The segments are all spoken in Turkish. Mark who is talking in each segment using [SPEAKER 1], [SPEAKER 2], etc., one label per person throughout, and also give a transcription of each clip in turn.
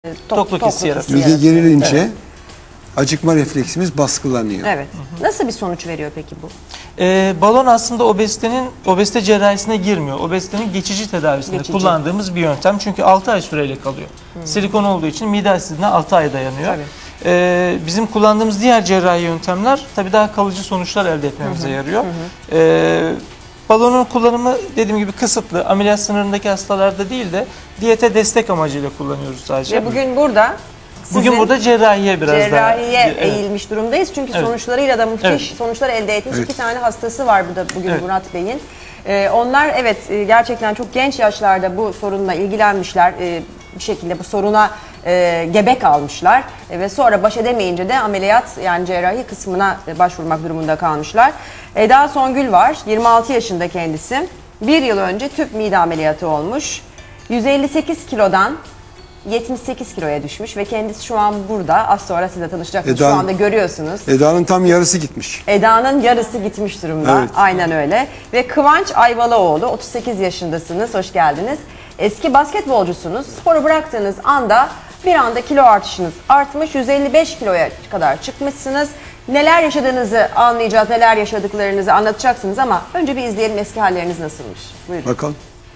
[SPEAKER 1] tokluk hissi yaratıyor.
[SPEAKER 2] Mide gerilince acıkma refleksimiz baskılanıyor.
[SPEAKER 3] Evet. Nasıl bir sonuç veriyor peki bu?
[SPEAKER 1] Balon aslında obezite cerrahisine girmiyor. Obezitenin geçici tedavisinde kullandığımız bir yöntem. Çünkü 6 ay süreyle kalıyor. Silikon olduğu için mide asitliğine 6 ay dayanıyor. Bizim kullandığımız diğer cerrahi yöntemler tabii daha kalıcı sonuçlar elde etmemize yarıyor. Balonun kullanımı dediğim gibi kısıtlı. Ameliyat sınırındaki hastalarda değil de diyete destek amacıyla kullanıyoruz sadece.
[SPEAKER 3] Ve bugün burada
[SPEAKER 1] cerrahiye biraz
[SPEAKER 3] cerrahiye eğilmiş durumdayız. Çünkü sonuçlarıyla da müthiş sonuçlar elde etmiş 2 tane hastası var burada bugün Murat Bey'in. Onlar gerçekten çok genç yaşlarda bu sorunla ilgilenmişler. Bir şekilde bu soruna gebe kalmışlar ve sonra baş edemeyince de ameliyat yani cerrahi kısmına başvurmak durumunda kalmışlar. Eda Songül var, 26 yaşında kendisi. 1 yıl önce tüp mide ameliyatı olmuş. 158 kilodan 78 kiloya düşmüş ve kendisi şu an burada. Az sonra sizle tanışacaksınız. Şu anda görüyorsunuz.
[SPEAKER 2] Eda'nın tam yarısı gitmiş.
[SPEAKER 3] Eda'nın yarısı gitmiş durumda.
[SPEAKER 2] Evet.
[SPEAKER 3] Aynen öyle. Ve Kıvanç Ayvalıoğlu, 38 yaşındasınız. Hoş geldiniz. Eski basketbolcusunuz. Sporu bıraktığınız anda bir anda kilo artışınız artmış. 155 kiloya kadar çıkmışsınız. Neler yaşadığınızı anlayacağız, neler yaşadıklarınızı anlatacaksınız ama önce bir izleyelim eski halleriniz nasılmış. Buyurun.
[SPEAKER 2] Bakalım.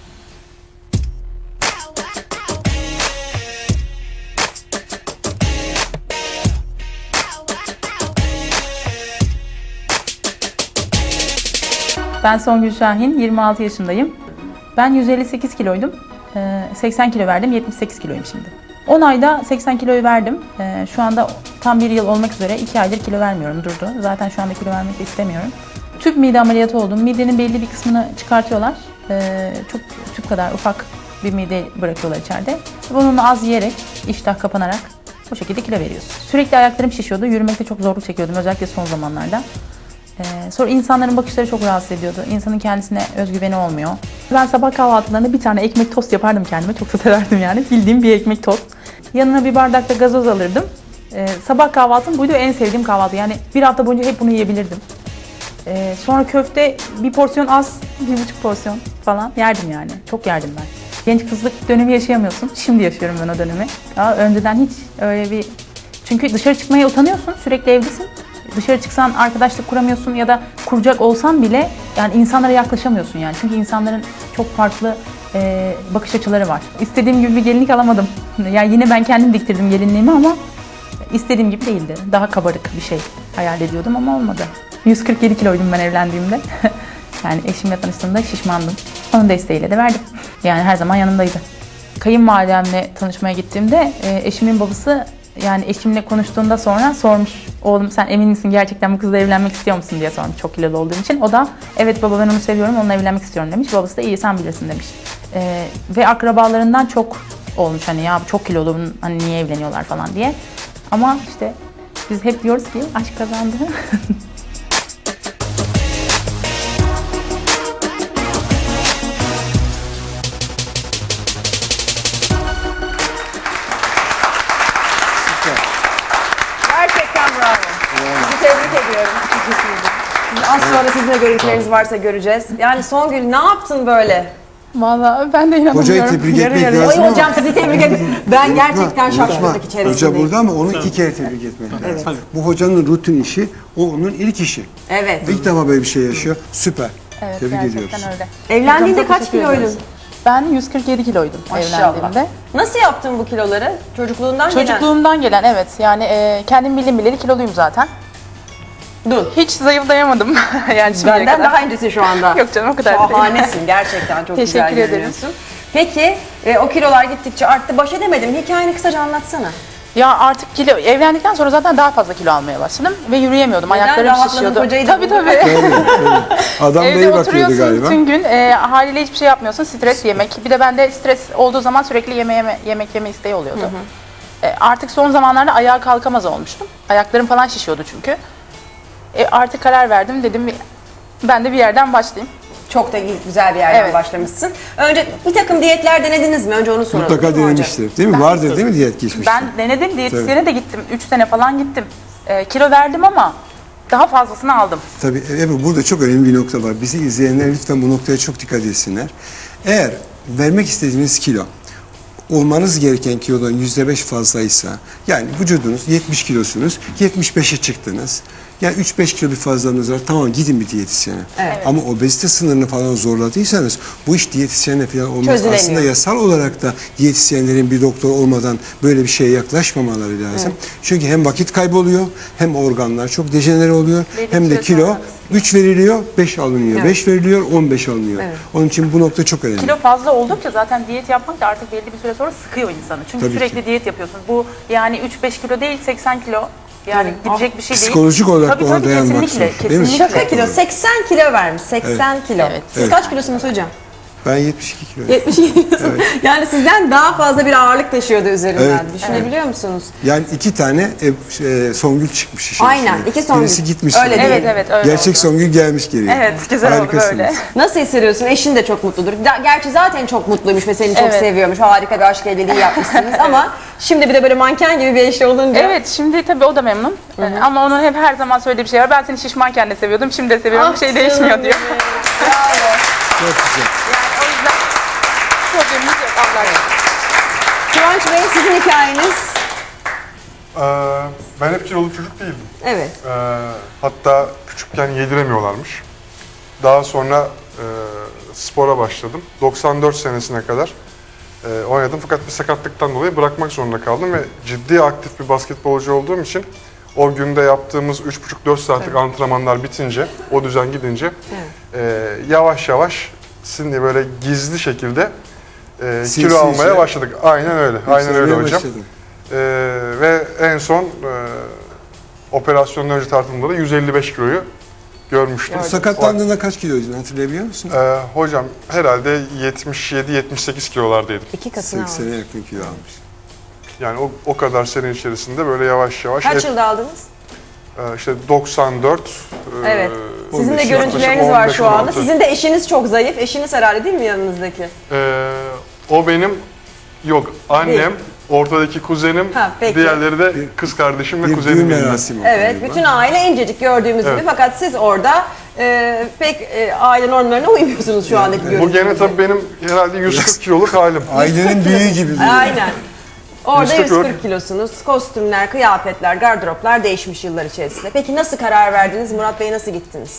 [SPEAKER 4] Ben Songül Şahin, 26 yaşındayım. Ben 158 kiloydum. 80 kilo verdim, 78 kiloyum şimdi. 10 ayda 80 kiloyu verdim. Şu anda tam 1 yıl olmak üzere 2 aydır kilo vermiyorum, durdu. Zaten şu anda kilo vermek de istemiyorum. Tüp mide ameliyatı oldum. Midenin belli bir kısmını çıkartıyorlar. Çok tüp kadar ufak bir mide bırakıyorlar içeride. Bununla az yiyerek, iştah kapanarak bu şekilde kilo veriyorsun. Sürekli ayaklarım şişiyordu. Yürümekte çok zorluk çekiyordum, özellikle son zamanlarda. Sonra insanların bakışları çok rahatsız ediyordu. İnsanın kendisine özgüveni olmuyor. Ben sabah kahvaltılarında bir tane ekmek tost yapardım kendime. Çok da severdim yani. Bildiğim bir ekmek tost. Yanına bir bardak da gazoz alırdım. Sabah kahvaltım buydu, en sevdiğim kahvaltı. Yani bir hafta boyunca hep bunu yiyebilirdim. Sonra köfte bir porsiyon az, 1,5 porsiyon falan yerdim yani. Çok yerdim ben. Genç kızlık dönemi yaşayamıyorsun. Şimdi yaşıyorum ben o dönemi. Daha önceden hiç öyle bir... Çünkü dışarı çıkmaya utanıyorsun, sürekli evdesin. Dışarı çıksan arkadaşlık kuramıyorsun ya da kuracak olsan bile yani insanlara yaklaşamıyorsun yani. Çünkü insanların çok farklı bakış açıları var. İstediğim gibi bir gelinlik alamadım. Yani yine ben kendim diktirdim gelinliğimi ama istediğim gibi değildi. Daha kabarık bir şey hayal ediyordum ama olmadı. 147 kiloydum ben evlendiğimde. Yani eşimle tanıştığımda şişmandım. Onun desteğiyle de verdim. Yani her zaman yanımdaydı. Kayınvalidemle tanışmaya gittiğimde eşimin babası yani eşimle konuştuğunda sonra sormuş. Oğlum sen emin misin gerçekten bu kızla evlenmek istiyor musun diye sormuş çok kilolu olduğum için. O da evet baba ben onu seviyorum, onunla evlenmek istiyorum demiş. Babası da iyi sen bilirsin demiş. Ve akrabalarından çok olmuş hani ya çok kilolu hani niye evleniyorlar falan diye. Ama işte biz hep diyoruz ki aşk kazandı.
[SPEAKER 3] Gerçekten bravo. Sizi tebrik ediyorum. Az sonra sizin de görüntüleriniz varsa göreceğiz. Yani Songül ne yaptın böyle?
[SPEAKER 4] Vallahi ben de inanamıyorum.
[SPEAKER 2] Hocayı tebrik etmek lazım
[SPEAKER 3] Ay
[SPEAKER 2] ama...
[SPEAKER 3] hocam sizi tebrik ederim. Ben gerçekten şaşkınlık içerisindeyim.
[SPEAKER 2] Hoca burada ama onu 2 kere tebrik etmek lazım. Bu hocanın rutin işi, o onun ilk işi.
[SPEAKER 3] Evet.
[SPEAKER 2] İlk defa böyle bir şey yaşıyor. Süper.
[SPEAKER 4] Evet,
[SPEAKER 2] Tebrik ediyoruz.
[SPEAKER 4] gerçekten öyle.
[SPEAKER 3] Evlendiğinde
[SPEAKER 4] Hocam, çok
[SPEAKER 3] kaç
[SPEAKER 4] teşekkür
[SPEAKER 3] kiloydun?
[SPEAKER 4] ediyoruz. Ben 147 kiloydum evlendiğimde.
[SPEAKER 3] Nasıl yaptın bu kiloları? Çocukluğundan gelen?
[SPEAKER 4] Çocukluğumdan gelen evet. Yani kendim bildim bileli kiloluyum zaten.
[SPEAKER 3] Dur.
[SPEAKER 4] Hiç zayıflayamadım yani şimdiye
[SPEAKER 3] Benden
[SPEAKER 4] kadar.
[SPEAKER 3] daha öncesi şu anda.
[SPEAKER 4] Yok canım o kadar değil.
[SPEAKER 3] Şahanesin gerçekten çok güzel
[SPEAKER 4] Teşekkür ederim.
[SPEAKER 3] görünüyorsun. Peki o kilolar gittikçe arttı. Baş edemedim. Hikayeni kısaca anlatsana.
[SPEAKER 4] Ya artık kilo evlendikten sonra zaten daha fazla kilo almaya başladım ve yürüyemiyordum.
[SPEAKER 3] Neden?
[SPEAKER 4] Ayaklarım
[SPEAKER 3] Rahatladın,
[SPEAKER 4] şişiyordu.
[SPEAKER 3] kocayı da
[SPEAKER 4] Tabii
[SPEAKER 3] buldun.
[SPEAKER 2] Adam da iyi
[SPEAKER 4] Evde
[SPEAKER 2] bakıyordu
[SPEAKER 4] oturuyorsun
[SPEAKER 2] galiba.
[SPEAKER 4] bütün gün. Haliyle hiçbir şey yapmıyorsun. Stres yemek. Bir de bende stres olduğu zaman sürekli yemek yeme isteği oluyordu. Artık son zamanlarda ayağa kalkamaz olmuştum. Ayaklarım falan şişiyordu çünkü. Artık karar verdim. Dedim ben de bir yerden başlayayım.
[SPEAKER 3] Çok da güzel bir yerden başlamışsın. Önce bir takım diyetler denediniz mi? Önce onu soralım.
[SPEAKER 2] Mutlaka denemiştir. Değil mi? Vardır değil mi diyet geçmişte?
[SPEAKER 4] Ben denedim. Diyetisyene de gittim. 3 sene falan gittim. Kilo verdim ama daha fazlasını aldım.
[SPEAKER 2] Tabii Ebru burada çok önemli bir nokta var. Bizi izleyenler lütfen bu noktaya çok dikkat etsinler. Eğer vermek istediğiniz kilo olmanız gereken kilodan %5 fazlaysa, yani vücudunuz 70 kilosunuz, 75'e çıktınız. Yani 3-5 kilo bir fazlalığınız var. Tamam, gidin bir diyetisyene.
[SPEAKER 3] Evet.
[SPEAKER 2] Ama obezite sınırını falan zorladıysanız bu iş diyetisyenle falan olmaz.
[SPEAKER 3] Çözülemiyor.
[SPEAKER 2] Aslında yasal olarak da diyetisyenlerin bir doktor olmadan böyle bir şeye yaklaşmamaları lazım. Çünkü hem vakit kayboluyor, hem organlar çok dejenere oluyor, hem de kilo 3 veriliyor, 5 alınıyor. 5 veriliyor, 15 alınıyor. Onun için bu nokta çok önemli.
[SPEAKER 4] Kilo fazla oldukça zaten diyet yapmak da artık belli bir süre sonra sıkıyor insanı. Çünkü
[SPEAKER 2] Tabii
[SPEAKER 4] sürekli
[SPEAKER 2] ki.
[SPEAKER 4] diyet yapıyorsun. Bu yani 3-5 kilo değil, 80 kilo. Yani gidecek bir şey değil.
[SPEAKER 2] Psikolojik olarak
[SPEAKER 4] Tabii,
[SPEAKER 2] ona dayanmak
[SPEAKER 4] kesinlikle,
[SPEAKER 2] zor, değil mi?
[SPEAKER 4] kesinlikle.
[SPEAKER 3] Şaka kilo. 80 kilo vermiş. 80 kilo.
[SPEAKER 4] Evet.
[SPEAKER 3] Siz kaç kilosunuz hocam?
[SPEAKER 2] Ben 72 kilo.
[SPEAKER 3] 72 kilosunuz. Yani sizden daha fazla bir ağırlık taşıyordu üzerinden.
[SPEAKER 2] Evet.
[SPEAKER 3] Düşünebiliyor musunuz?
[SPEAKER 2] Yani 2 tane Songül çıkmış işin
[SPEAKER 3] Aynen,
[SPEAKER 2] içine.
[SPEAKER 3] 2 Songül.
[SPEAKER 2] Birisi gitmiş.
[SPEAKER 3] Öyle değil.
[SPEAKER 4] Evet, öyle
[SPEAKER 2] Gerçek
[SPEAKER 4] oldu.
[SPEAKER 2] Songül gelmiş geriye.
[SPEAKER 4] Evet, güzel oldu
[SPEAKER 2] Harikasınız.
[SPEAKER 4] böyle.
[SPEAKER 3] Nasıl hissediyorsun? Eşin de çok mutludur. Gerçi zaten çok mutluymuş ve seni çok
[SPEAKER 4] Evet.
[SPEAKER 3] seviyormuş. Harika bir aşk evliliği yapmışsınız ama şimdi bir de böyle manken gibi bir eşli olunca.
[SPEAKER 4] Evet, şimdi tabii o da memnun. Ama onun hep her zaman söylediği bir şey var. Ben seni şişmanken de seviyordum, şimdi de seviyorum. Bir şey değişmiyor diyor.
[SPEAKER 3] Bravo.
[SPEAKER 2] Çok güzel.
[SPEAKER 4] Yani o yüzden problemimiz yok Allah'a emanet.
[SPEAKER 3] Kıvanç Bey, sizin hikayeniz.
[SPEAKER 5] Ben hep kilolu çocuk değildim.
[SPEAKER 3] Evet.
[SPEAKER 5] Hatta küçükken yediremiyorlarmış. Daha sonra spora başladım. 94 senesine kadar oynadım. Fakat bir sakatlıktan dolayı bırakmak zorunda kaldım ve ciddi aktif bir basketbolcu olduğum için o günde yaptığımız 3,5-4 saatlik antrenmanlar bitince, o düzen gidince yavaş yavaş şimdi böyle gizli şekilde kilo almaya başladık. Aynen öyle. Aynen öyle hocam. Ve en son operasyondan önce tartımda da 155 kiloyu görmüştüm.
[SPEAKER 2] Sakatlandığında kaç kiloydun, hatırlayabiliyor musun?
[SPEAKER 5] Hocam herhalde 77-78 kilolardaydım.
[SPEAKER 3] 2 katına almış.
[SPEAKER 2] 80'e yakın kilo almış.
[SPEAKER 5] Yani o kadar sene içerisinde böyle yavaş yavaş.
[SPEAKER 3] Kaç yılda aldınız?
[SPEAKER 5] İşte 94.
[SPEAKER 3] Evet. Sizin de
[SPEAKER 2] 15,
[SPEAKER 3] görüntüleriniz var şu anda.
[SPEAKER 5] 16.
[SPEAKER 3] Sizin de eşiniz çok zayıf. Eşiniz herhalde değil mi yanınızdaki?
[SPEAKER 5] O benim, yok annem,
[SPEAKER 3] Değil.
[SPEAKER 5] ortadaki kuzenim,
[SPEAKER 3] Ha, peki.
[SPEAKER 5] diğerleri de kız kardeşim ve
[SPEAKER 2] Bir
[SPEAKER 5] kuzenim
[SPEAKER 2] düğün
[SPEAKER 5] benim.
[SPEAKER 2] merasimi oldu
[SPEAKER 3] Evet,
[SPEAKER 2] galiba.
[SPEAKER 3] bütün aile incecik gördüğümüz gibi fakat siz orada pek aile normlarına uymuyorsunuz şu andaki
[SPEAKER 5] Bu
[SPEAKER 3] görüntünüzde.
[SPEAKER 5] gene tabii benim herhalde 140 kiloluk halim.
[SPEAKER 2] Ailenin büyüğü gibi duruyor.
[SPEAKER 3] Aynen. Orada
[SPEAKER 5] 140
[SPEAKER 3] 140 kilosunuz. Kostümler, kıyafetler, gardıroplar değişmiş yıllar içerisinde. Peki nasıl karar verdiniz? Murat Bey nasıl gittiniz?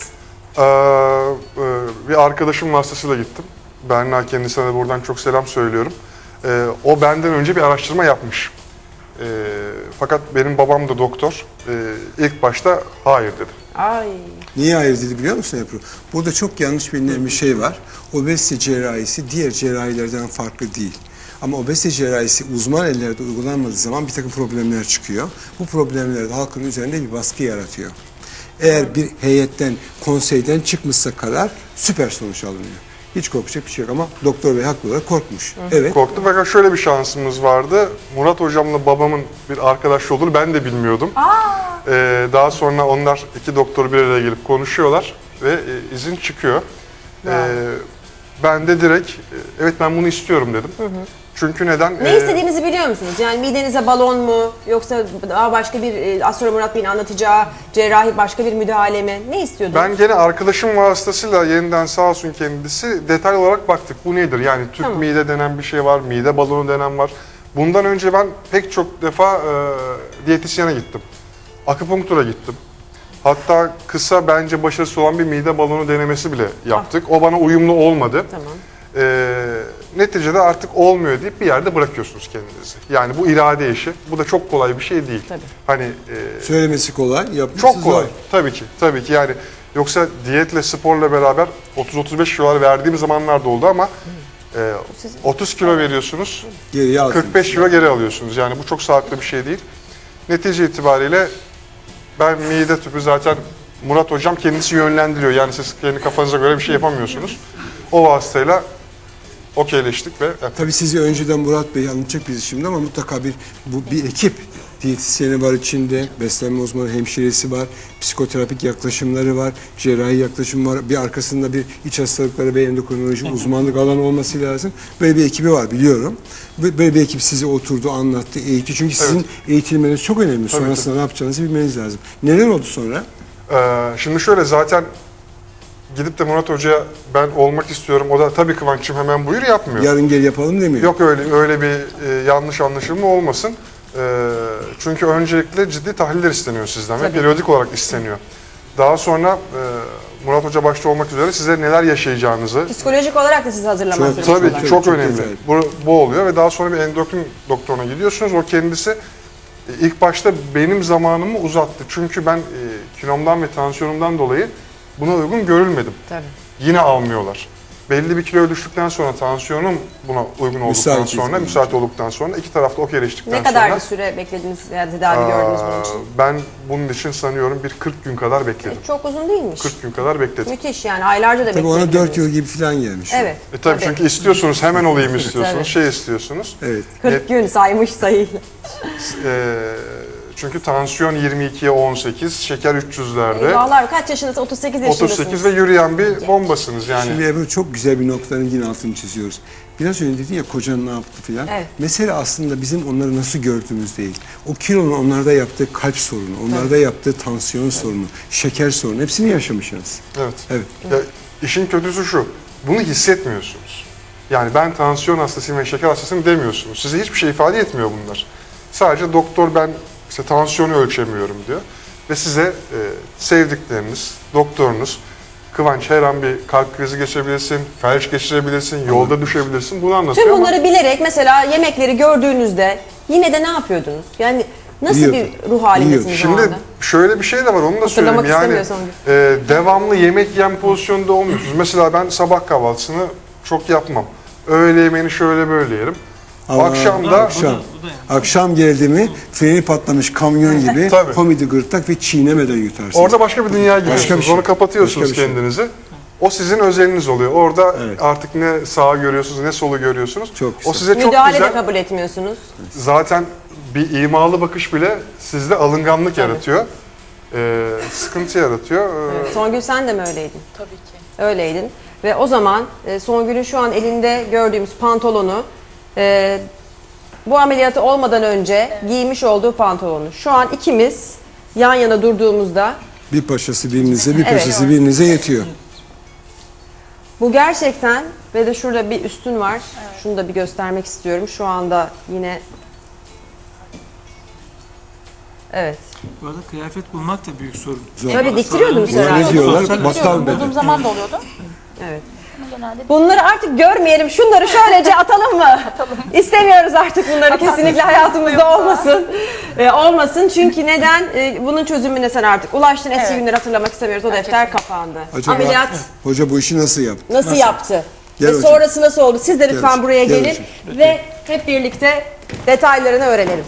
[SPEAKER 5] Bir arkadaşım vasıtasıyla gittim. Berna, kendisine de buradan çok selam söylüyorum. O benden önce bir araştırma yapmış. Fakat benim babam da doktor. İlk başta hayır dedi.
[SPEAKER 3] Ay.
[SPEAKER 2] Niye hayır dedi biliyor musun Ebru? Burada çok yanlış bilinen bir şey var. Obezite cerrahisi diğer cerrahilerden farklı değil. Ama obezite cerrahisi uzman ellerde uygulanmadığı zaman bir takım problemler çıkıyor. Bu problemler de halkın üzerinde bir baskı yaratıyor. Eğer bir heyetten, konseyden çıkmışsa karar süper sonuç alınıyor. Hiç korkacak bir şey yok ama doktor bey haklı olarak korkmuş. Evet.
[SPEAKER 5] Korktum fakat şöyle bir şansımız vardı. Murat hocamla babamın bir arkadaş olduğunu ben de bilmiyordum. Daha sonra onlar iki doktor bir araya gelip konuşuyorlar ve izin çıkıyor. Ben de direkt evet ben bunu istiyorum dedim. Çünkü neden?
[SPEAKER 3] Ne istediğinizi biliyor musunuz? Yani midenize balon mu yoksa daha başka bir az sonra Murat Bey'in anlatacağı cerrahi başka bir müdahale mi? Ne istiyordunuz?
[SPEAKER 5] Ben gene arkadaşım vasıtasıyla yeniden sağ olsun kendisi detaylı olarak baktık. Bu nedir? Yani tüp mide denen bir şey var, mide balonu denen var. Bundan önce ben pek çok defa diyetisyene gittim. Akupunktura gittim. Hatta kısa bence başarısı olan bir mide balonu denemesi bile yaptık. O bana uyumlu olmadı.
[SPEAKER 3] Tamam.
[SPEAKER 5] Neticede artık olmuyor deyip bir yerde bırakıyorsunuz kendinizi. Yani bu irade işi. Bu da çok kolay bir şey değil.
[SPEAKER 3] Tabii.
[SPEAKER 5] Hani
[SPEAKER 2] Söylemesi kolay, yapması
[SPEAKER 5] çok kolay.
[SPEAKER 2] zor.
[SPEAKER 5] Tabii ki. Tabii ki yani yoksa diyetle sporla beraber 30-35 kilolar verdiğim zamanlar da oldu ama 30 kilo veriyorsunuz.
[SPEAKER 2] Geriye aldın.
[SPEAKER 5] 45 kilo geri alıyorsunuz. Yani bu çok sağlıklı bir şey değil. Netice itibariyle ben mide tüpü zaten Murat hocam kendisi yönlendiriyor. Yani siz kendi kafanıza göre bir şey yapamıyorsunuz. O vasıtayla okeyleştik ve
[SPEAKER 2] Tabii sizi önceden Murat Bey anlatacak bizi şimdi ama mutlaka bir ekip. Diyetisyeni var içinde, beslenme uzmanı, hemşiresi var, psikoterapik yaklaşımları var, cerrahi yaklaşım var. Bir arkasında bir iç hastalıkları ve endokrinoloji uzmanlık alanı olması lazım. Böyle bir ekibi var biliyorum. Böyle bir ekip size oturdu, anlattı, eğitti. Çünkü sizin eğitilmeniz çok önemli. Sonrasında ne yapacağınızı bilmeniz lazım. Neler oldu sonra?
[SPEAKER 5] şimdi şöyle zaten gidip de Murat Hoca'ya ben olmak istiyorum, o da tabii Kıvanç'cığım hemen buyur yapmıyor.
[SPEAKER 2] Yarın gel yapalım demiyor.
[SPEAKER 5] Yok öyle bir yanlış anlaşılma olmasın. Çünkü öncelikle ciddi tahliller isteniyor sizden ve periyodik olarak isteniyor. Daha sonra Murat Hoca başta olmak üzere size neler yaşayacağınızı...
[SPEAKER 3] Psikolojik olarak da sizi hazırlamak
[SPEAKER 2] Çok-
[SPEAKER 3] zorunda.
[SPEAKER 5] Tabii ki çok önemli.
[SPEAKER 2] güzel.
[SPEAKER 5] Bu oluyor ve daha sonra bir endokrin doktoruna gidiyorsunuz. O kendisi ilk başta benim zamanımı uzattı. Çünkü ben kilomdan ve tansiyonumdan dolayı buna uygun görülmedim.
[SPEAKER 3] Tabii.
[SPEAKER 5] Yine almıyorlar. Belli bir kiloya düştükten sonra, tansiyonum buna uygun olduktan sonra, müsait olduktan sonra iki tarafta okeyleştikten
[SPEAKER 3] Ne
[SPEAKER 5] sonra...
[SPEAKER 3] kadar bir süre beklediniz veya tedavi gördünüz bunun için?
[SPEAKER 5] Ben bunun için sanıyorum bir 40 gün kadar bekledim.
[SPEAKER 3] Çok uzun değilmiş.
[SPEAKER 5] 40 gün kadar bekledim.
[SPEAKER 3] Müthiş yani aylarca da
[SPEAKER 2] Tabii ona 4
[SPEAKER 3] beklediniz.
[SPEAKER 2] yıl gibi falan gelmiş.
[SPEAKER 3] Evet.
[SPEAKER 5] Tabii çünkü istiyorsunuz, hemen olayım istiyorsunuz,
[SPEAKER 3] Tabii.
[SPEAKER 5] şey istiyorsunuz.
[SPEAKER 2] Evet.
[SPEAKER 3] 40 gün saymış sayıyla.
[SPEAKER 5] Çünkü tansiyon 22'ye 18, şeker 300'lerde.
[SPEAKER 3] Eyvallah kaç yaşındasın? 38 yaşındasınız.
[SPEAKER 5] 38 ve yürüyen bir bombasınız yani.
[SPEAKER 2] Şimdi Ebru çok güzel bir noktanın yine altını çiziyoruz. Biraz önce dedin ya kocan ne yaptı filan.
[SPEAKER 3] Evet.
[SPEAKER 2] Mesele aslında bizim onları nasıl gördüğümüz değil. O kilonun onlarda yaptığı kalp sorunu, onlarda yaptığı tansiyon sorunu, şeker sorunu hepsini yaşamışsınız.
[SPEAKER 5] Evet.
[SPEAKER 2] Evet.
[SPEAKER 5] Ya, işin kötüsü şu, bunu hissetmiyorsunuz. Yani ben tansiyon hastasıyım ve şeker hastasıyım demiyorsunuz. Size hiçbir şey ifade etmiyor bunlar. Sadece doktor ben işte tansiyonu ölçemiyorum diyor. Ve size sevdikleriniz, doktorunuz, Kıvanç her an bir kalp krizi geçirebilirsin, felç geçirebilirsin, yolda düşebilirsin. Bunu anlatıyor
[SPEAKER 3] Tüm
[SPEAKER 5] ama
[SPEAKER 3] bunları bilerek mesela yemekleri gördüğünüzde yine de ne yapıyordunuz? Yani nasıl
[SPEAKER 2] Yiyorduk.
[SPEAKER 3] bir ruh halindesiniz o
[SPEAKER 5] şimdi
[SPEAKER 3] anda?
[SPEAKER 5] şöyle bir şey de var, onu da söyleyeyim.
[SPEAKER 3] Hatırlamak
[SPEAKER 5] Yani
[SPEAKER 3] istemiyorsan
[SPEAKER 5] devamlı yemek yem pozisyonunda olmuyorsunuz. Mesela ben sabah kahvaltısını çok yapmam. Öğle yemeğini şöyle böyle yerim.
[SPEAKER 2] Ama
[SPEAKER 5] Akşam da
[SPEAKER 2] akşam geldi mi freni patlamış kamyon gibi
[SPEAKER 5] Tabii.
[SPEAKER 2] komedi gırtlak ve çiğnemeden yutarsınız.
[SPEAKER 5] orada başka bir dünya giriyorsunuz.
[SPEAKER 2] bir şey.
[SPEAKER 5] Onu kapatıyorsunuz
[SPEAKER 2] Başka bir şey.
[SPEAKER 5] kendinizi. O sizin özeliniz oluyor. Orada
[SPEAKER 2] Evet.
[SPEAKER 5] artık ne sağı görüyorsunuz ne solu görüyorsunuz.
[SPEAKER 2] Çok güzel.
[SPEAKER 5] O size çok
[SPEAKER 3] Müdahale de
[SPEAKER 5] güzel.
[SPEAKER 3] kabul etmiyorsunuz.
[SPEAKER 5] Zaten bir imalı bakış bile sizde alınganlık yaratıyor. Sıkıntı yaratıyor.
[SPEAKER 3] Songül sen de mi öyleydin?
[SPEAKER 4] Tabii ki.
[SPEAKER 3] Öyleydin. Ve o zaman Songül'ün şu an elinde gördüğümüz pantolonu bu ameliyatı olmadan önce giymiş olduğu pantolonu. Şu an ikimiz yan yana durduğumuzda
[SPEAKER 2] Bir paşası birinize, bir
[SPEAKER 3] Evet.
[SPEAKER 2] paşası birinize yetiyor.
[SPEAKER 3] bu gerçekten ve de şurada bir üstün var. Şunu da bir göstermek istiyorum. Şu anda yine evet.
[SPEAKER 1] Bu arada kıyafet bulmak da büyük sorun.
[SPEAKER 2] Zor.
[SPEAKER 3] Tabii diktiriyordunuz
[SPEAKER 2] Buna
[SPEAKER 3] herhalde.
[SPEAKER 2] ne diyorlar?
[SPEAKER 1] Sosyal-
[SPEAKER 2] Battal
[SPEAKER 4] Bulduğum
[SPEAKER 2] beden.
[SPEAKER 4] zaman da oluyordu.
[SPEAKER 3] Evet.
[SPEAKER 4] Ama genelde
[SPEAKER 3] Bunları artık görmeyelim. Şunları şöylece atalım mı? İstemiyoruz artık bunları. Kesinlikle hayatımızda olmasın. Olmasın. Çünkü neden? Bunun çözümüne sen artık ulaştın. Eski
[SPEAKER 4] Evet.
[SPEAKER 3] günleri hatırlamak istemiyoruz. O defter kapandı.
[SPEAKER 2] Acaba
[SPEAKER 3] Ameliyat
[SPEAKER 2] hoca bu işi nasıl yaptı?
[SPEAKER 3] nasıl yaptı?
[SPEAKER 2] Gel
[SPEAKER 3] Ve
[SPEAKER 2] hocam.
[SPEAKER 3] sonrası nasıl oldu? Siz de lütfen
[SPEAKER 2] hocam,
[SPEAKER 3] buraya
[SPEAKER 2] gel
[SPEAKER 3] gelin
[SPEAKER 2] hocam.
[SPEAKER 3] ve hep birlikte detaylarını öğrenelim.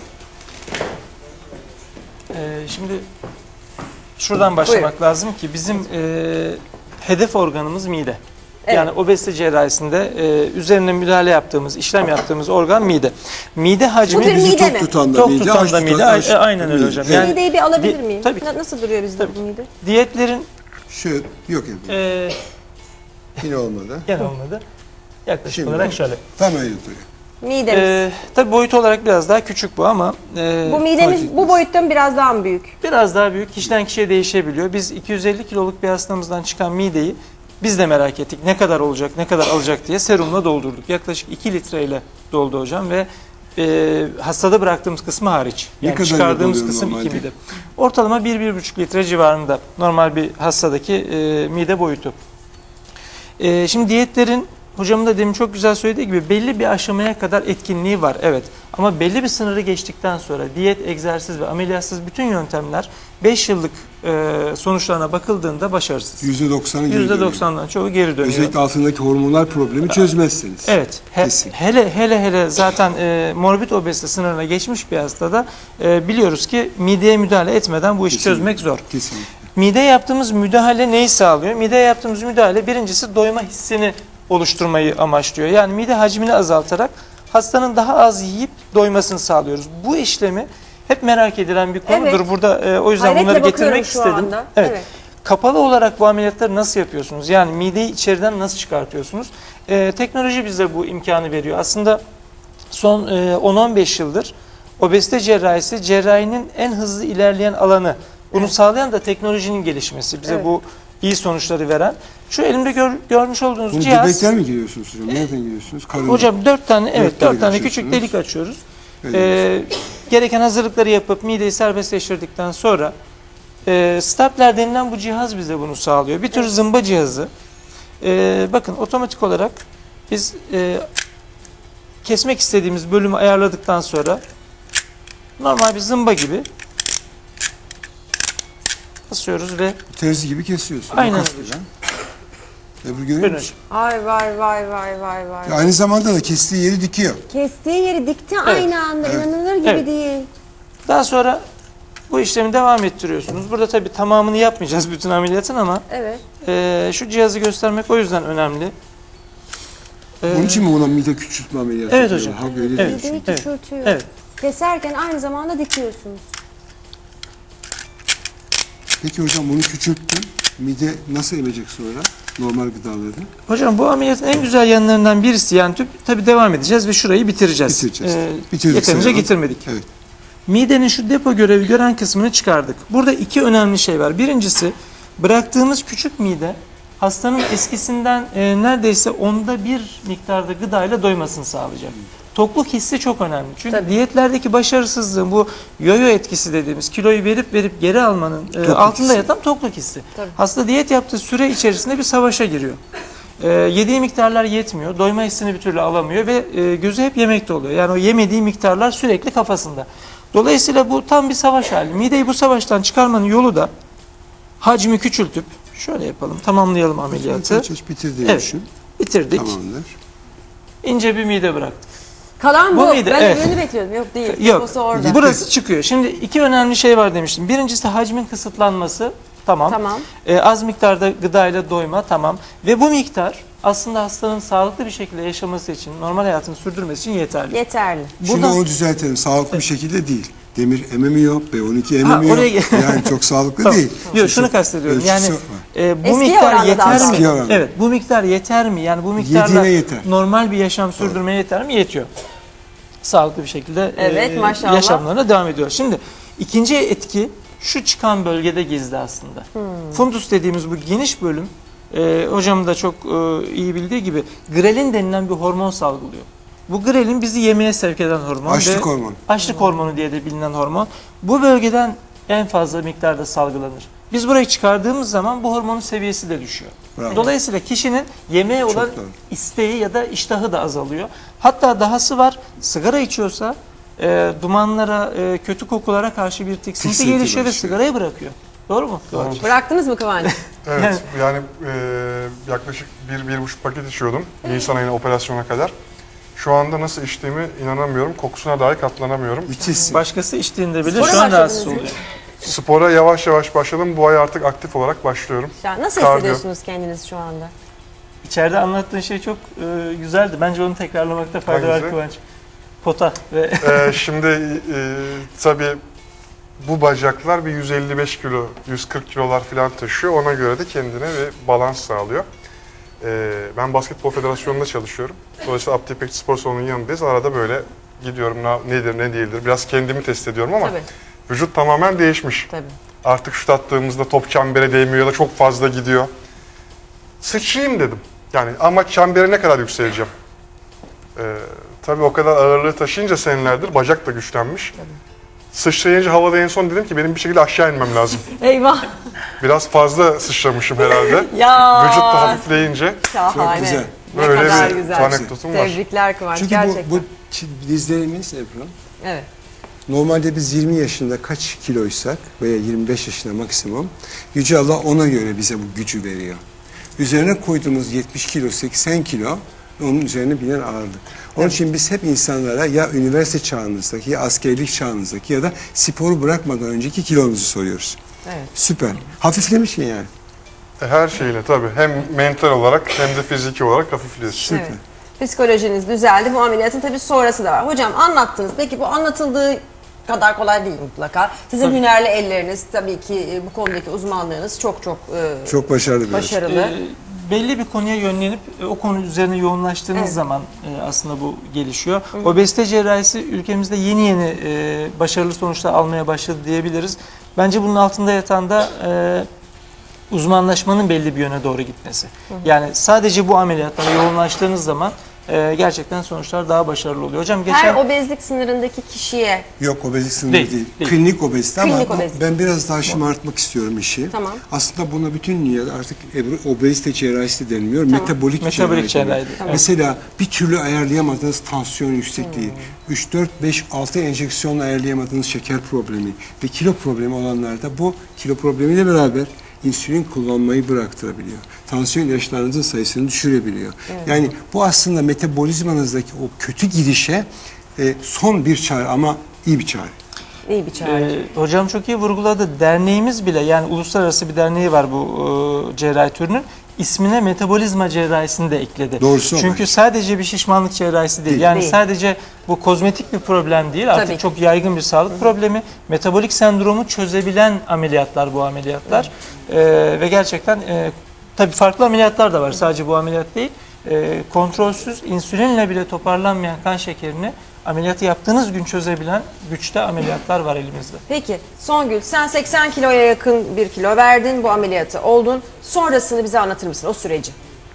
[SPEAKER 1] Şimdi şuradan başlamak lazım ki bizim hedef organımız mide.
[SPEAKER 3] Evet.
[SPEAKER 1] Yani obezite cerrahisinde üzerine müdahale yaptığımız, işlem yaptığımız organ mide. Mide hacmi
[SPEAKER 3] Bu bir
[SPEAKER 2] Bizi
[SPEAKER 3] mide
[SPEAKER 2] tok
[SPEAKER 3] mi?
[SPEAKER 2] tutan da
[SPEAKER 1] tok
[SPEAKER 2] mide,
[SPEAKER 1] tutan
[SPEAKER 2] aç
[SPEAKER 1] da mide.
[SPEAKER 2] tutan aç.
[SPEAKER 1] Aynen öyle hocam.
[SPEAKER 2] Evet.
[SPEAKER 1] Yani
[SPEAKER 3] Mideyi bir alabilir miyim?
[SPEAKER 1] tabii ki.
[SPEAKER 3] Nasıl duruyor bizde
[SPEAKER 1] Tabii.
[SPEAKER 3] bu mide?
[SPEAKER 1] Diyetlerin
[SPEAKER 2] Şu yok ya. Yine olmadı.
[SPEAKER 1] gene olmadı. Yaklaşık
[SPEAKER 2] Şimdi
[SPEAKER 1] olarak şöyle.
[SPEAKER 2] Tam öyle duruyor.
[SPEAKER 3] Midemiz.
[SPEAKER 1] Tabii boyut olarak biraz daha küçük bu ama
[SPEAKER 3] Bu midemiz bu boyutta mı biraz daha mı büyük?
[SPEAKER 1] biraz daha büyük. Kişiden kişiye değişebiliyor. Biz 250 kiloluk bir hastamızdan çıkan mideyi biz de merak ettik. Ne kadar olacak, ne kadar alacak diye serumla doldurduk. Yaklaşık 2 litreyle doldu hocam ve hastada bıraktığımız kısmı hariç.
[SPEAKER 2] Ne
[SPEAKER 1] Yani
[SPEAKER 2] kadar
[SPEAKER 1] çıkardığımız
[SPEAKER 2] doluyor
[SPEAKER 1] kısım
[SPEAKER 2] normalde?
[SPEAKER 1] 2 mide. Ortalama 1-1,5 litre civarında normal bir hastadaki mide boyutu. Şimdi diyetlerin hocamın da demin çok güzel söylediği gibi belli bir aşamaya kadar etkinliği var. Evet. Ama belli bir sınırı geçtikten sonra diyet, egzersiz ve ameliyatsız bütün yöntemler 5 yıllık sonuçlarına bakıldığında başarısız.
[SPEAKER 2] %90'ı geri dönüyor.
[SPEAKER 1] %90'dan çoğu geri dönüyor.
[SPEAKER 2] Özellikle altındaki hormonal problemi çözmezseniz.
[SPEAKER 1] Evet.
[SPEAKER 2] Kesin.
[SPEAKER 1] Hele zaten morbid obezite sınırına geçmiş bir hastada biliyoruz ki mideye müdahale etmeden bu işi
[SPEAKER 2] Kesinlikle.
[SPEAKER 1] çözmek zor.
[SPEAKER 2] Kesinlikle.
[SPEAKER 1] Mideye yaptığımız müdahale neyi sağlıyor? Mideye yaptığımız müdahale birincisi doyma hissini oluşturmayı amaçlıyor. Yani mide hacmini azaltarak hastanın daha az yiyip doymasını sağlıyoruz. Bu işlemi hep merak edilen bir konudur.
[SPEAKER 3] Evet.
[SPEAKER 1] Burada o yüzden
[SPEAKER 3] Hayretle
[SPEAKER 1] bunları
[SPEAKER 3] bakıyorum
[SPEAKER 1] getirmek
[SPEAKER 3] şu
[SPEAKER 1] istedim.
[SPEAKER 3] anda.
[SPEAKER 1] Evet.
[SPEAKER 3] Evet.
[SPEAKER 1] Kapalı olarak bu ameliyatları nasıl yapıyorsunuz? Yani mideyi içeriden nasıl çıkartıyorsunuz? Teknoloji bize bu imkanı veriyor. Aslında son 10-15 yıldır obezite cerrahisi cerrahinin en hızlı ilerleyen alanı. Bunu sağlayan da teknolojinin gelişmesi. Bize
[SPEAKER 3] Evet.
[SPEAKER 1] bu iyi sonuçları veren. Şu elimde görmüş olduğunuz
[SPEAKER 2] Bunu
[SPEAKER 1] cihaz.
[SPEAKER 2] göbekten mi giriyorsunuz hocam? Nereden giriyorsunuz? Karın.
[SPEAKER 1] Hocam 4 tane, evet 4 tane küçük
[SPEAKER 2] açıyorsunuz.
[SPEAKER 1] delik açıyoruz.
[SPEAKER 2] Evet.
[SPEAKER 1] Gereken hazırlıkları yapıp mideyi serbestleştirdikten sonra stapler denilen bu cihaz bize bunu sağlıyor. Bir tür zımba cihazı. Bakın otomatik olarak biz kesmek istediğimiz bölümü ayarladıktan sonra normal bir zımba gibi basıyoruz ve
[SPEAKER 2] Terzi gibi kesiyorsun.
[SPEAKER 1] Aynen
[SPEAKER 2] Makas
[SPEAKER 1] öyle.
[SPEAKER 2] gibi. Ebru görüyor
[SPEAKER 1] buyurun
[SPEAKER 2] musun?
[SPEAKER 3] Ay vay.
[SPEAKER 2] Ya aynı zamanda da kestiği yeri dikiyor.
[SPEAKER 3] Kestiği yeri dikti aynı anda.
[SPEAKER 2] Evet.
[SPEAKER 3] İnanılır gibi
[SPEAKER 1] Evet.
[SPEAKER 3] değil.
[SPEAKER 1] daha sonra bu işlemi devam ettiriyorsunuz. Burada tabii tamamını yapmayacağız bütün ameliyatın ama
[SPEAKER 3] Evet.
[SPEAKER 1] şu cihazı göstermek o yüzden önemli.
[SPEAKER 2] Onun için mi buna mide küçültme ameliyatı
[SPEAKER 1] Evet
[SPEAKER 2] yapıyorlar?
[SPEAKER 1] hocam.
[SPEAKER 2] Ha, öyle
[SPEAKER 1] Evet.
[SPEAKER 2] diyorsun.
[SPEAKER 3] Mideyi küçültüyor.
[SPEAKER 1] Evet.
[SPEAKER 3] Keserken aynı zamanda dikiyorsunuz.
[SPEAKER 2] Peki hocam bunu küçülttün. Mide nasıl emecek sonra? Normal gıdaları.
[SPEAKER 1] Hocam bu ameliyatın en güzel yanlarından birisi yani tabii devam edeceğiz ve şurayı bitireceğiz.
[SPEAKER 2] Bitireceğiz. Bitirdik
[SPEAKER 1] Yeterince
[SPEAKER 2] sayalım.
[SPEAKER 1] getirmedik.
[SPEAKER 2] Evet.
[SPEAKER 1] Midenin şu depo görevi gören kısmını çıkardık. Burada iki önemli şey var. Birincisi bıraktığımız küçük mide hastanın eskisinden neredeyse 1/10 miktarda gıdayla doymasını sağlayacak. Tokluk hissi çok önemli. Çünkü
[SPEAKER 3] Tabii.
[SPEAKER 1] diyetlerdeki başarısızlığın bu yoyo etkisi dediğimiz kiloyu verip geri almanın altında
[SPEAKER 2] hissi.
[SPEAKER 1] yatan tokluk hissi.
[SPEAKER 3] Tabii.
[SPEAKER 1] Hasta diyet yaptığı süre içerisinde bir savaşa giriyor. Yediği miktarlar yetmiyor. Doyma hissini bir türlü alamıyor ve gözü hep yemekte oluyor. Yani o yemediği miktarlar sürekli kafasında. Dolayısıyla bu tam bir savaş hali. Mideyi bu savaştan çıkarmanın yolu da hacmi küçültüp şöyle yapalım, tamamlayalım ameliyatı.
[SPEAKER 2] Aç bitirdi
[SPEAKER 1] Evet.
[SPEAKER 2] düşün.
[SPEAKER 1] Bitirdik.
[SPEAKER 2] Tamamdır.
[SPEAKER 1] İnce bir mide bıraktık.
[SPEAKER 3] Kalan
[SPEAKER 1] Bu
[SPEAKER 3] bu.
[SPEAKER 1] mide,
[SPEAKER 3] Ben
[SPEAKER 1] evet.
[SPEAKER 3] öbürünü bekliyordum. Yok değil.
[SPEAKER 1] Yok.
[SPEAKER 3] Deposu orada.
[SPEAKER 1] Burası çıkıyor. Şimdi iki önemli şey var demiştim. Birincisi hacmin kısıtlanması. Tamam.
[SPEAKER 3] Tamam.
[SPEAKER 1] Az miktarda gıdayla doyma. Tamam. Ve bu miktar aslında hastanın sağlıklı bir şekilde yaşaması için, normal hayatını sürdürmesi için yeterli.
[SPEAKER 3] Yeterli.
[SPEAKER 2] Şimdi
[SPEAKER 1] Buradan-
[SPEAKER 2] onu düzeltelim. Sağlıklı bir şekilde değil. Demir ememiyor, B12 ememiyor.
[SPEAKER 1] oraya-
[SPEAKER 2] Yani çok sağlıklı
[SPEAKER 1] Tamam.
[SPEAKER 2] değil.
[SPEAKER 1] Yok şunu kastediyorum. Yani
[SPEAKER 2] Ölçüsü var.
[SPEAKER 1] bu
[SPEAKER 3] Eski
[SPEAKER 1] miktar
[SPEAKER 3] oranda
[SPEAKER 1] yeter
[SPEAKER 3] daha
[SPEAKER 1] mi?
[SPEAKER 2] Eski oranda.
[SPEAKER 1] Evet, bu miktar yeter mi? Yani bu miktarla
[SPEAKER 2] Yediğine yeter.
[SPEAKER 1] normal bir yaşam sürdürmeye yeter mi? Yetiyor. Sağlıklı bir şekilde
[SPEAKER 3] Evet, maşallah.
[SPEAKER 1] yaşamlarına devam ediyor. Şimdi ikinci etki şu çıkan bölgede gizli aslında. Fundus dediğimiz bu geniş bölüm hocamın da çok iyi bildiği gibi grelin denilen bir hormon salgılıyor. Bu grelin bizi yemeye sevk eden hormon.
[SPEAKER 2] Açlık
[SPEAKER 1] ve
[SPEAKER 2] hormonu.
[SPEAKER 1] Açlık hormonu diye de bilinen hormon. Bu bölgeden en fazla miktarda salgılanır. Biz burayı çıkardığımız zaman bu hormonun seviyesi de düşüyor.
[SPEAKER 2] Bravo.
[SPEAKER 1] Dolayısıyla kişinin yemeğe olan
[SPEAKER 2] doğru.
[SPEAKER 1] isteği ya da iştahı da azalıyor. Hatta dahası var, sigara içiyorsa dumanlara, kötü kokulara karşı bir tiksinti
[SPEAKER 2] Tiksinti
[SPEAKER 1] gelişiyor ve
[SPEAKER 2] başlıyor.
[SPEAKER 1] sigarayı bırakıyor. Doğru mu? Doğru.
[SPEAKER 3] Bıraktınız mı Kıvanç?
[SPEAKER 5] Evet, yani yaklaşık 1-1,5 paket içiyordum Nisan ayına operasyona kadar. Şu anda nasıl içtiğimi inanamıyorum. Kokusuna dahi katlanamıyorum.
[SPEAKER 2] Müthişsin.
[SPEAKER 1] Başkası içtiğinde bile
[SPEAKER 3] Spora
[SPEAKER 1] şu an
[SPEAKER 3] başladınız
[SPEAKER 1] rahatsız
[SPEAKER 3] mı?
[SPEAKER 1] oluyor.
[SPEAKER 5] Spora yavaş yavaş başladım. Bu ay artık aktif olarak başlıyorum.
[SPEAKER 3] Ya nasıl
[SPEAKER 5] Kardiyo.
[SPEAKER 3] hissediyorsunuz kendiniz şu anda?
[SPEAKER 1] İçeride anlattığın şey çok güzeldi. Bence onu tekrarlamakta fayda var
[SPEAKER 5] Hangisi?
[SPEAKER 1] Kıvanç. Pota ve
[SPEAKER 5] Şimdi tabii bu bacaklar bir 155 kilo, 140 kilolar falan taşıyor. Ona göre de kendine bir balans sağlıyor. Ben Basketbol Federasyonu'nda çalışıyorum. Dolayısıyla Abdi İpekçi Spor Salonu'nun yanındayız. Arada böyle gidiyorum nedir ne değildir. Biraz kendimi test ediyorum ama
[SPEAKER 3] Tabii.
[SPEAKER 5] vücut tamamen değişmiş.
[SPEAKER 3] Tabii.
[SPEAKER 5] Artık şut attığımızda top çembere değmiyor ya da çok fazla gidiyor. Sıçrayayım dedim. Yani ama çembere ne kadar yükseleceğim? Tabii o kadar ağırlığı taşıyınca senelerdir bacak da güçlenmiş. Sıçrayınca havada en son dedim ki benim bir şekilde aşağı inmem lazım.
[SPEAKER 3] Eyvah.
[SPEAKER 5] Biraz fazla sıçramışım herhalde.
[SPEAKER 3] Ya.
[SPEAKER 5] Vücut da hafifleyince
[SPEAKER 3] Şahane.
[SPEAKER 2] Çok güzel.
[SPEAKER 3] Ne
[SPEAKER 5] böyle
[SPEAKER 3] kadar
[SPEAKER 5] bir
[SPEAKER 3] güzel.
[SPEAKER 5] anekdotum var.
[SPEAKER 3] Tebrikler Kıvanç.
[SPEAKER 2] Çünkü
[SPEAKER 3] gerçekten.
[SPEAKER 2] bu dizlerimiz Ebru.
[SPEAKER 3] Evet.
[SPEAKER 2] Normalde biz 20 yaşında kaç kiloysak veya 25 yaşında maksimum Yüce Allah ona göre bize bu gücü veriyor. Üzerine koyduğumuz 70 kilo, 80 kilo onun üzerine binen ağırlık. Onun için biz hep insanlara ya üniversite çağınızdaki ya askerlik çağınızdaki ya da sporu bırakmadan önceki kilonuzu soruyoruz.
[SPEAKER 3] Evet.
[SPEAKER 2] Süper. Hafiflemişsin yani.
[SPEAKER 5] Her şeyle tabii hem mental olarak hem de fiziki olarak hafifliyorsun.
[SPEAKER 2] Süper.
[SPEAKER 3] Evet. Psikolojiniz düzeldi. Bu ameliyatın tabii sonrası da var. Hocam anlattınız. Peki bu anlatıldığı kadar kolay değil mutlaka. Sizin
[SPEAKER 1] Tabii.
[SPEAKER 3] hünerli elleriniz, tabii ki bu konudaki uzmanlığınız çok
[SPEAKER 2] Çok başarılı bir
[SPEAKER 3] başarılı.
[SPEAKER 1] belli bir konuya yönlenip o konu üzerine yoğunlaştığınız
[SPEAKER 3] Evet.
[SPEAKER 1] zaman aslında bu gelişiyor. Obezite cerrahisi ülkemizde yeni başarılı sonuçlar almaya başladı diyebiliriz. Bence bunun altında yatan da uzmanlaşmanın belli bir yöne doğru gitmesi. Yani sadece bu ameliyatlara yoğunlaştığınız zaman gerçekten sonuçlar daha başarılı oluyor. Hocam
[SPEAKER 3] Her obezlik sınırındaki kişiye
[SPEAKER 2] Yok, obezlik sınırı
[SPEAKER 1] Değil,
[SPEAKER 2] değil.
[SPEAKER 1] değil.
[SPEAKER 2] Klinik obezite ama
[SPEAKER 3] Klinik obezite.
[SPEAKER 2] ben biraz daha şımartmak istiyorum işi.
[SPEAKER 3] Tamam.
[SPEAKER 2] Aslında buna bütün dünyada artık obezite cerrahisi denmiyor. Metabolik
[SPEAKER 1] Metabolik
[SPEAKER 2] cerrahi
[SPEAKER 1] cerrahi.
[SPEAKER 2] deniyor.
[SPEAKER 1] Tamam.
[SPEAKER 2] Mesela bir türlü ayarlayamadığınız tansiyon yüksekliği, 3, 4, 5, 6 enjeksiyonla ayarlayamadığınız şeker problemi ve kilo problemi olanlarda bu kilo problemiyle beraber insülin kullanmayı bıraktırabiliyor. Tansiyon ilaçlarınızın sayısını düşürebiliyor. Yani bu aslında metabolizmanızdaki o kötü gidişe son bir çare ama iyi bir çare.
[SPEAKER 3] iyi bir çare.
[SPEAKER 1] Hocam çok iyi vurguladı. Derneğimiz bile, yani uluslararası bir derneği var bu cerrahi türünün. İsmine metabolizma cerrahisini de ekledi.
[SPEAKER 2] Doğrusu o
[SPEAKER 1] Çünkü
[SPEAKER 2] bence.
[SPEAKER 1] sadece bir şişmanlık cerrahisi değil. Yani
[SPEAKER 3] Değil.
[SPEAKER 1] sadece bu kozmetik bir problem değil. Artık
[SPEAKER 3] Tabii.
[SPEAKER 1] çok yaygın bir sağlık problemi. Metabolik sendromu çözebilen ameliyatlar bu ameliyatlar. Ve gerçekten tabii farklı ameliyatlar da var. Sadece bu ameliyat değil. Kontrolsüz insülinle bile toparlanmayan kan şekerini ameliyatı yaptığınız gün çözebilen güçte ameliyatlar var elimizde.
[SPEAKER 3] Peki Songül, sen 80 kiloya yakın bir kilo verdin, bu ameliyatı oldun. Sonrasını bize anlatır mısın, o süreci?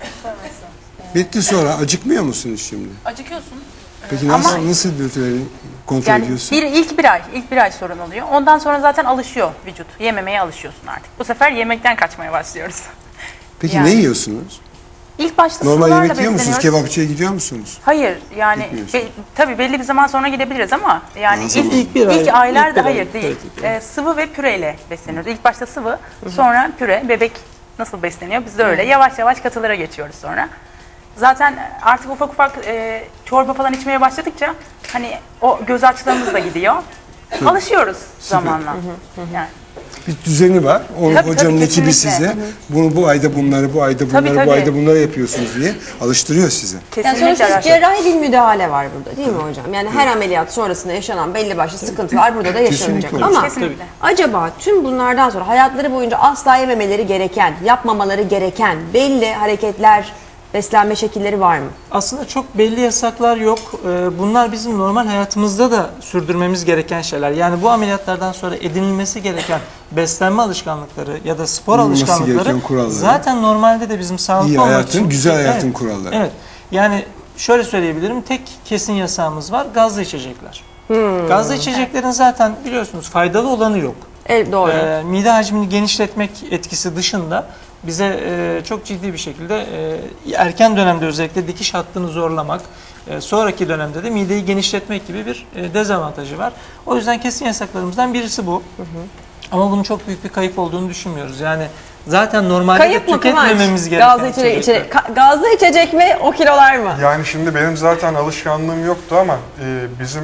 [SPEAKER 2] Bitti sonra acıkmıyor musunuz şimdi?
[SPEAKER 4] Acıkıyorsun.
[SPEAKER 2] Peki nasıl bir kontrol
[SPEAKER 4] Yani
[SPEAKER 2] ediyorsun?
[SPEAKER 4] ilk bir ay sorun oluyor. Ondan sonra zaten alışıyor vücut. Yememeye alışıyorsun artık. Bu sefer yemekten kaçmaya başlıyoruz.
[SPEAKER 2] Peki
[SPEAKER 4] yani.
[SPEAKER 2] ne yiyorsunuz?
[SPEAKER 4] İlk başta
[SPEAKER 2] Normal
[SPEAKER 4] sıvılarla
[SPEAKER 2] yemek yiyor musunuz?
[SPEAKER 4] besleniyoruz.
[SPEAKER 2] Kebapçıya gidiyor musunuz?
[SPEAKER 4] Hayır yani
[SPEAKER 2] Gitmiyorsun.
[SPEAKER 4] tabii belli bir zaman sonra gidebiliriz ama yani
[SPEAKER 2] Ne zaman?
[SPEAKER 4] ilk aylarda
[SPEAKER 1] ilk bir ay.
[SPEAKER 4] hayır değil.
[SPEAKER 1] Evet.
[SPEAKER 4] Sıvı ve püreyle besleniyoruz. İlk başta sıvı, sonra püre, bebek nasıl besleniyor biz de öyle. Yavaş yavaş katılara geçiyoruz sonra. Zaten artık ufak ufak çorba falan içmeye başladıkça hani o göz açlığımız da gidiyor. Alışıyoruz zamanla. Yani.
[SPEAKER 2] Bir düzeni var.
[SPEAKER 4] Tabii,
[SPEAKER 2] Hocanın
[SPEAKER 4] tabii,
[SPEAKER 2] ekibi
[SPEAKER 4] kesinlikle.
[SPEAKER 2] size bunu bu ayda bunları, bu ayda bunları,
[SPEAKER 4] Tabii,
[SPEAKER 2] bu
[SPEAKER 4] tabii.
[SPEAKER 2] ayda bunları yapıyorsunuz diye alıştırıyor size.
[SPEAKER 3] Yani
[SPEAKER 4] Kesinlikle
[SPEAKER 3] sonuçta
[SPEAKER 4] araştırıyoruz.
[SPEAKER 3] cerrahi bir müdahale var burada değil mi hocam? Yani her ameliyat sonrasında yaşanan belli başlı sıkıntılar burada da yaşanacak.
[SPEAKER 2] Kesinlikle.
[SPEAKER 3] Ama
[SPEAKER 4] Kesinlikle.
[SPEAKER 3] acaba tüm bunlardan sonra hayatları boyunca asla yememeleri gereken, yapmamaları gereken belli hareketler, beslenme şekilleri var mı?
[SPEAKER 1] Aslında çok belli yasaklar yok. Bunlar bizim normal hayatımızda da sürdürmemiz gereken şeyler. Yani bu ameliyatlardan sonra edinilmesi gereken beslenme alışkanlıkları ya da spor
[SPEAKER 2] Uyulması
[SPEAKER 1] alışkanlıkları
[SPEAKER 2] gereken kurallar.
[SPEAKER 1] zaten normalde de bizim sağlıklı
[SPEAKER 2] İyi
[SPEAKER 1] olmak
[SPEAKER 2] hayatın,
[SPEAKER 1] için.
[SPEAKER 2] güzel hayatın
[SPEAKER 1] Evet,
[SPEAKER 2] kuralları.
[SPEAKER 1] Evet. Yani şöyle söyleyebilirim. Tek kesin yasağımız var. Gazlı içecekler. Gazlı içeceklerin zaten biliyorsunuz faydalı olanı yok.
[SPEAKER 3] Doğru.
[SPEAKER 1] Mide hacmini genişletmek etkisi dışında bize çok ciddi bir şekilde erken dönemde özellikle dikiş hattını zorlamak, sonraki dönemde de mideyi genişletmek gibi bir dezavantajı var. O yüzden kesin yasaklarımızdan birisi bu. Ama bunun çok büyük bir kayıp olduğunu düşünmüyoruz. Yani zaten normalde
[SPEAKER 3] Kayıp
[SPEAKER 1] de
[SPEAKER 3] mı Kıvanç?
[SPEAKER 1] tüketmememiz gereken
[SPEAKER 3] Gazlı içecek mi o kilolar mı?
[SPEAKER 5] Yani şimdi benim zaten alışkanlığım yoktu ama bizim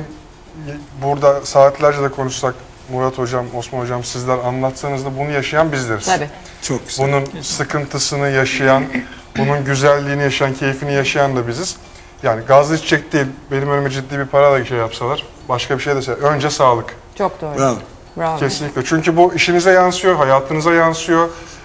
[SPEAKER 5] burada saatlerce de konuşsak Murat Hocam, Osman Hocam sizler anlatsanız da bunu yaşayan bizleriz.
[SPEAKER 3] Tabii.
[SPEAKER 2] Çok güzel.
[SPEAKER 5] Bunun sıkıntısını yaşayan, bunun güzelliğini yaşayan, keyfini yaşayan da biziz. Yani gazlı içecek değil, benim önüme ciddi bir para da şey yapsalar, başka bir şey de önce sağlık.
[SPEAKER 3] Çok doğru.
[SPEAKER 2] Bravo.
[SPEAKER 3] Bravo.
[SPEAKER 5] Kesinlikle. Çünkü bu işinize yansıyor, hayatınıza yansıyor.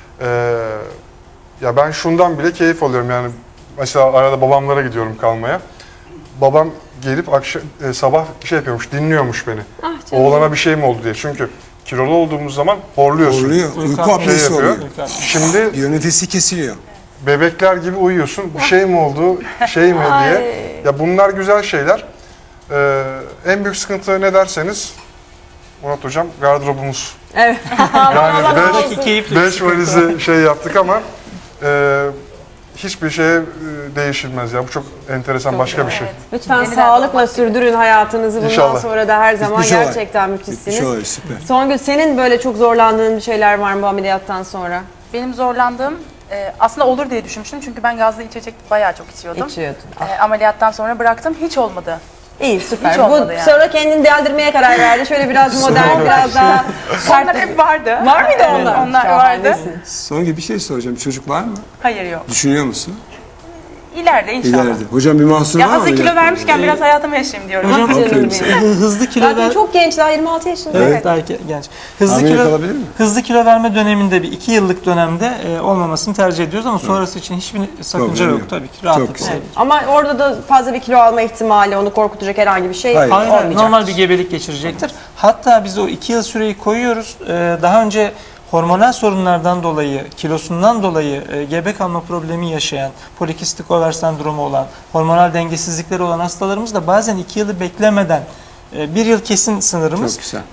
[SPEAKER 5] Ya ben şundan bile keyif alıyorum. Yani mesela arada babamlara gidiyorum kalmaya. Babam gelip sabah şey yapıyormuş, dinliyormuş beni.
[SPEAKER 3] Ah canım.
[SPEAKER 5] Oğlana bir şey mi oldu diye. Çünkü kilolu olduğumuz zaman horluyorsun.
[SPEAKER 2] Horluyor. Uyku apnesi
[SPEAKER 5] Şey yapıyor.
[SPEAKER 2] oluyor.
[SPEAKER 5] Şimdi
[SPEAKER 2] Yönetisi kesiliyor.
[SPEAKER 5] bebekler gibi uyuyorsun. Bir şey mi oldu, şey mi diye. Ya bunlar güzel şeyler. En büyük sıkıntı ne derseniz Murat Hocam gardırobumuz.
[SPEAKER 3] Evet.
[SPEAKER 5] Yani
[SPEAKER 1] Keyifli.
[SPEAKER 5] 5 valizi şey yaptık ama hiçbir şeye değişilmez ya. Bu çok enteresan başka bir şey.
[SPEAKER 3] Lütfen
[SPEAKER 4] Yeniden
[SPEAKER 3] sağlıkla sürdürün hayatınızı. Bundan
[SPEAKER 5] İnşallah.
[SPEAKER 3] sonra da her zaman
[SPEAKER 2] Bitmiş olay.
[SPEAKER 3] gerçekten
[SPEAKER 2] Bitmiş
[SPEAKER 3] müthişsiniz.
[SPEAKER 2] olay, süper.
[SPEAKER 3] Songül, senin böyle çok zorlandığın bir şeyler var mı bu ameliyattan sonra?
[SPEAKER 4] Benim zorlandığım aslında olur diye düşünmüştüm çünkü ben gazlı içecek bayağı çok içiyordum.
[SPEAKER 3] İçiyordun.
[SPEAKER 4] Ameliyattan sonra bıraktım, hiç olmadı.
[SPEAKER 3] İyi, süper.
[SPEAKER 4] Hiç
[SPEAKER 3] Bu
[SPEAKER 4] olmadı yani.
[SPEAKER 3] sonra kendini deldirmeye karar verdi. Şöyle biraz modern, biraz daha sert.
[SPEAKER 4] Onlar hep vardı.
[SPEAKER 3] Var mıydı onlar?
[SPEAKER 4] Onlar vardı.
[SPEAKER 3] Şahanesin.
[SPEAKER 2] Son gibi bir şey soracağım. Çocuk var mı?
[SPEAKER 4] Hayır yok.
[SPEAKER 2] Düşünüyor musun?
[SPEAKER 4] İleride inşallah.
[SPEAKER 2] İleride. Hocam bir mahsur var
[SPEAKER 4] Ya
[SPEAKER 2] mı?
[SPEAKER 4] hazır kilo
[SPEAKER 2] ameliyatla?
[SPEAKER 4] vermişken biraz hayatımı yaşayayım diyorum.
[SPEAKER 1] Hocam
[SPEAKER 2] Aferin sana.
[SPEAKER 1] hızlı kilo
[SPEAKER 3] Zaten çok genç, daha 26 yaşında.
[SPEAKER 1] Evet, daha genç. Hızlı
[SPEAKER 2] Hamile
[SPEAKER 1] kilo,
[SPEAKER 2] kalabilir mi?
[SPEAKER 1] hızlı kilo verme döneminde bir 2 yıllık dönemde olmamasını tercih ediyoruz ama sonrası için hiçbir sakınca
[SPEAKER 2] Problem
[SPEAKER 1] yok
[SPEAKER 2] yok.
[SPEAKER 1] tabii ki. Rahatlıkla.
[SPEAKER 2] güzel.
[SPEAKER 1] Evet.
[SPEAKER 3] Ama orada da fazla bir kilo alma ihtimali, onu korkutacak herhangi bir şey
[SPEAKER 2] Hayır.
[SPEAKER 3] olmayacak.
[SPEAKER 1] Normal bir gebelik geçirecektir. Hatta biz o 2 yıl süreyi koyuyoruz. Daha önce hormonal sorunlardan dolayı, kilosundan dolayı gebe kalma problemi yaşayan, polikistik over sendromu olan, hormonal dengesizlikleri olan hastalarımız da bazen 2 yılı beklemeden 1 yıl kesin sınırımız,
[SPEAKER 2] Çok güzel.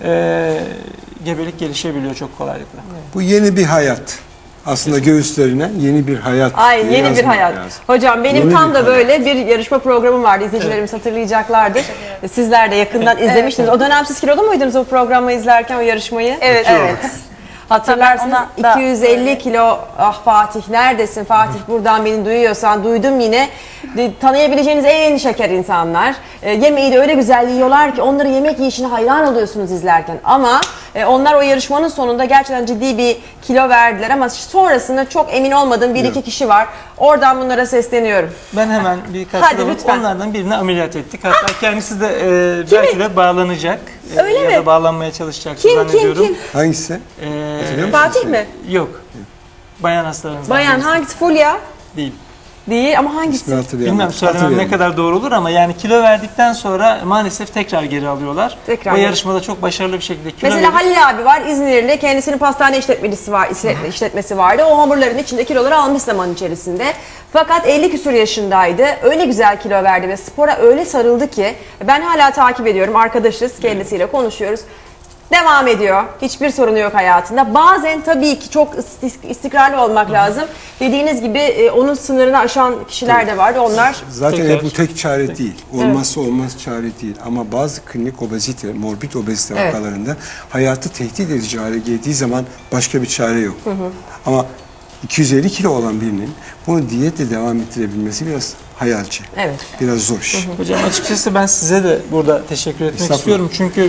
[SPEAKER 1] gebelik gelişebiliyor çok kolaylıkla.
[SPEAKER 2] Bu yeni bir hayat. Aslında göğüslerine yeni bir hayat.
[SPEAKER 3] Ay
[SPEAKER 2] diye
[SPEAKER 3] yeni bir
[SPEAKER 2] yazmak
[SPEAKER 3] hayat.
[SPEAKER 2] lazım.
[SPEAKER 3] Hocam benim
[SPEAKER 2] Yeni
[SPEAKER 3] tam
[SPEAKER 2] bir
[SPEAKER 3] da
[SPEAKER 2] hayat.
[SPEAKER 3] böyle bir yarışma programım vardı. İzleyicilerimiz hatırlayacaklardır. Sizler de yakından izlemiştiniz. O dönem siz kilolu muydunuz o programı izlerken, o yarışmayı?
[SPEAKER 6] Evet.
[SPEAKER 3] Evet. Hatırlarsınız
[SPEAKER 6] Ona da
[SPEAKER 3] 250 kilo, ah Fatih neredesin Fatih, buradan beni duyuyorsan, duydum yine. Tanıyabileceğiniz en şeker insanlar. Yemeği de öyle güzel yiyorlar ki onları yemek yiyişine hayran oluyorsunuz izlerken. Ama onlar o yarışmanın sonunda gerçekten ciddi bir kilo verdiler ama sonrasında çok emin olmadığım bir iki kişi var. Oradan bunlara sesleniyorum.
[SPEAKER 1] Ben hemen bir
[SPEAKER 3] Hadi
[SPEAKER 1] katkıda
[SPEAKER 3] lütfen.
[SPEAKER 1] onlardan birini ameliyat ettik. Hatta kendisi de belki de bağlanacak.
[SPEAKER 3] Öyle
[SPEAKER 1] ya
[SPEAKER 3] mi?
[SPEAKER 1] da bağlanmaya çalışacak
[SPEAKER 3] Kim
[SPEAKER 1] zannediyorum.
[SPEAKER 3] kim?
[SPEAKER 2] Hangisi? Hatırlıyor musun?
[SPEAKER 3] Fatih mi?
[SPEAKER 1] Yok. Bayan hastalarımızdan
[SPEAKER 3] Bayan
[SPEAKER 1] birisi.
[SPEAKER 3] hangisi? Fulya?
[SPEAKER 1] Değil.
[SPEAKER 3] Değil ama hangisi?
[SPEAKER 2] İsmini hatırlayamadım.
[SPEAKER 1] Bilmem söylemem ne
[SPEAKER 2] Hatırlayamadım.
[SPEAKER 1] kadar doğru olur ama yani kilo verdikten sonra maalesef tekrar geri alıyorlar.
[SPEAKER 3] Tekrar
[SPEAKER 1] o
[SPEAKER 3] geri.
[SPEAKER 1] yarışmada çok başarılı bir şekilde kilo
[SPEAKER 3] Mesela
[SPEAKER 1] verip-
[SPEAKER 3] Halil abi var, İzmirli, kendisinin pastane işletmesi vardı. O hamurların içinde kiloları almış zaman içerisinde. Fakat 50 küsur yaşındaydı. Öyle güzel kilo verdi ve spora öyle sarıldı ki ben hala takip ediyorum. Arkadaşız, kendisiyle konuşuyoruz. Devam ediyor. Hiçbir sorunu yok hayatında. Bazen tabii ki çok istikrarlı olmak lazım. Dediğiniz gibi onun sınırını aşan kişiler de vardı. Onlar
[SPEAKER 2] Zaten
[SPEAKER 1] Tekrar.
[SPEAKER 2] bu tek çare değil. Olmazsa olmaz çare değil. Ama bazı klinik obezite, morbid obezite
[SPEAKER 3] Evet.
[SPEAKER 2] vakalarında hayatı tehdit edici hale geldiği zaman başka bir çare yok. Ama 250 kilo olan birinin bunu diyetle devam ettirebilmesi biraz hayalci.
[SPEAKER 3] Evet.
[SPEAKER 2] Biraz zor iş.
[SPEAKER 1] Hocam açıkçası ben size de burada teşekkür etmek
[SPEAKER 2] Estağfurullah.
[SPEAKER 1] istiyorum. Çünkü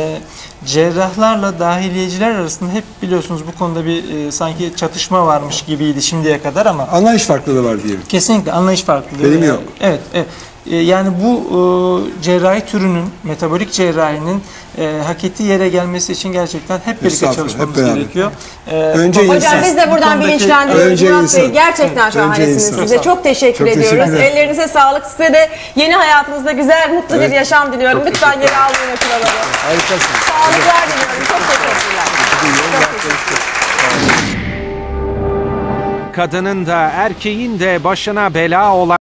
[SPEAKER 1] cerrahlarla dahiliyeciler arasında hep biliyorsunuz bu konuda bir sanki çatışma varmış gibiydi şimdiye kadar ama
[SPEAKER 2] Anlayış farklılığı var diyelim.
[SPEAKER 1] kesinlikle anlayış farklılığı.
[SPEAKER 2] Benim yok.
[SPEAKER 1] Evet, evet. Yani bu cerrahi türünün, metabolik cerrahinin hak ettiği yere gelmesi için gerçekten hep birlikte
[SPEAKER 2] Estağfurullah,
[SPEAKER 1] çalışmamız
[SPEAKER 2] hep beraber.
[SPEAKER 1] gerekiyor.
[SPEAKER 2] Önce
[SPEAKER 3] Hocam
[SPEAKER 2] insan.
[SPEAKER 3] biz de buradan
[SPEAKER 1] Bu konudaki-
[SPEAKER 3] bilinçlendiriyoruz.
[SPEAKER 2] Önce
[SPEAKER 3] Murat Bey
[SPEAKER 2] insan.
[SPEAKER 3] gerçekten
[SPEAKER 2] Evet,
[SPEAKER 3] şahanesiniz.
[SPEAKER 2] önce
[SPEAKER 3] Size
[SPEAKER 2] insan.
[SPEAKER 3] çok teşekkür
[SPEAKER 2] Çok teşekkür
[SPEAKER 3] ediyoruz.
[SPEAKER 2] ederim.
[SPEAKER 3] Ellerinize sağlık. Size de yeni hayatınızda güzel, mutlu bir
[SPEAKER 2] Evet.
[SPEAKER 3] yaşam diliyorum.
[SPEAKER 2] Çok
[SPEAKER 3] Lütfen
[SPEAKER 2] teşekkür
[SPEAKER 3] geri almayın o kiloları.
[SPEAKER 2] Harikasınız.
[SPEAKER 3] Sağlıklar diliyorum. Çok teşekkürler.
[SPEAKER 7] Kadının da erkeğin de başına bela olan